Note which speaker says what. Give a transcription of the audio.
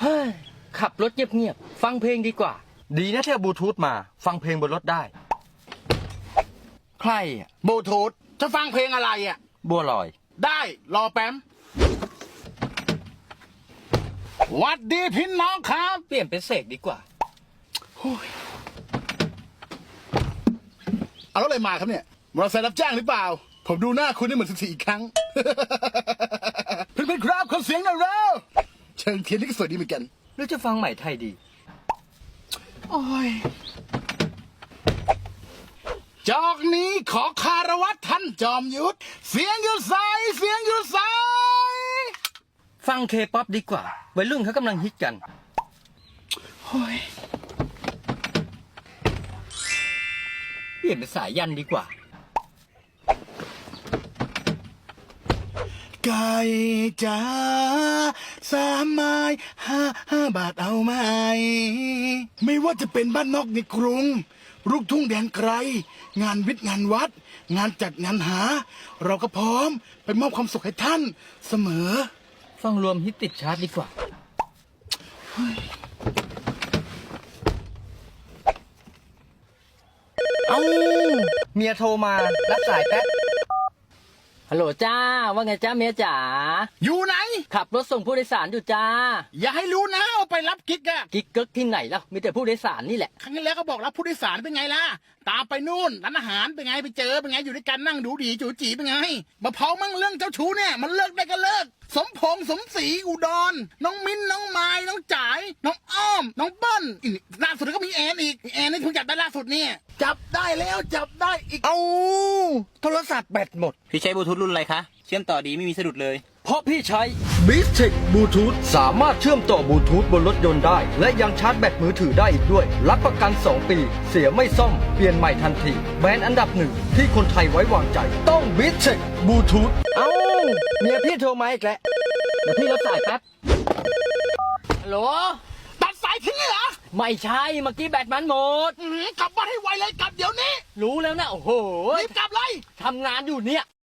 Speaker 1: เฮ้ยขับรถเงียบๆฟังเพลงดีกว่า ดีนะที่เอาบลูทูธมาฟังเพลงบนรถได้ใครอ่ะ
Speaker 2: บลูทูธจะฟังเพลงอะไรอ่ะ
Speaker 1: บัวลอย
Speaker 2: ได้รอแป๊มหวัดดีพี่น้องครับ
Speaker 1: เปลี่ยนเป็นเสกดีกว่า
Speaker 2: เอารถอะไรมาครับเนี่ยมอเตอร์ไซค์รับจ้างหรือเปล่า ผมดูหน้าคุณนี่เหมือน14อีกครั้ง เพื่อนๆครับขอเสียงหน่อยเร็วเชิงเทียนนี่ก็สวยดีเหมือนกัน
Speaker 1: หรือจะฟังใหม่ไทยดี
Speaker 2: โอ้ยจอกนี้ขอคารวะท่านจอมยุทธเสียงอยู่ใสเสียงอยู่ใส
Speaker 1: ฟังเคป๊อปดีกว่าวัยรุ่นเขากำลังฮิตกัน
Speaker 2: โอ้ย
Speaker 1: เปลี่ยนเป็นสายยันดีกว่า
Speaker 2: ไก่จ๋า3 ไม้5 บาทเอาไหมไม่ว่าจะเป็นบ้านนอกในกรุงลูกทุ่งแดนไกลงานวิทย์งานวัด งานจัดงานหา เราก็พร้อมไปมอบความสุขให้ท่านเสมอ
Speaker 1: ฟังรวมฮิตติดชาร์ตดีกว่าเอาเมียโทรมารับสายแป๊บฮัลโหลจ้าว่าไงจ้าเมียจ๋า
Speaker 2: อยู่ไหน
Speaker 1: ขับรถส่งผู้โดยสารอยู่จ้า
Speaker 2: อย่าให้รู้นะเอาไปรับกิ๊กอะ
Speaker 1: กิ๊กเกิกที่ไหนล่ะมีแต่ผู้โดยสารนี่แหละ
Speaker 2: ครั้งที่แล้วก็บอกรับผู้โดยสารเป็นไงล่ะตามไปนู่นร้านอาหารเป็นไงไปเจอเป็นไงอยู่ด้วยกันนั่งดูดีจูจีเป็นไงมาเผามั่งเรื่องเจ้าชู้เนี่ยมันเลิกได้ก็เลิกสมพงษ์สมศรีอุดรน้องมิ้นน้องไม้น้องจ๋ายน้องอ้อมน้องเปิ้ลอีกล่าสุดก็มีแอนอีกแอนนี่เพิ่งจับได้ล่าสุดเนี่ยจับได้แล้วจับได้อีก
Speaker 1: เอาโทรศัพท์แบตหมด
Speaker 3: พี่ใช้บลูทูธรุ่นอะไรคะ เชื่อมต่อดีไม่มีสะดุดเลย
Speaker 1: เพราะพี่ใช้ b i s t e c h Bluetooth สามารถเชื่อมต่อบลูทูธบนรถยนต์ได้ และยังชาร์จแบตมือถือได้อีกด้วย รับประกัน 2 ปี เสียไม่ซ่อม เปลี่ยนใหม่ทันที แบรนด์อันดับหนึ่งที่คนไทยไว้วางใจ ต้อง b i s t e c h Bluetooth เอ้าเมียพี่โทรมาอีกแล้ว เดี๋ยวพี่รับสายแป๊บ ฮัลโหล
Speaker 2: ตัดสายทิ้งเลยเหรอ
Speaker 1: ไม่ใช่ เมื่อกี้แบตมันหมด
Speaker 2: กลับบ้านให้ไวเลยกลับเดี๋ยวนี้
Speaker 1: รู้แล้วนะ โอ้โห
Speaker 2: รีบกลับเลย
Speaker 1: ทำงานอยู่เนี่ย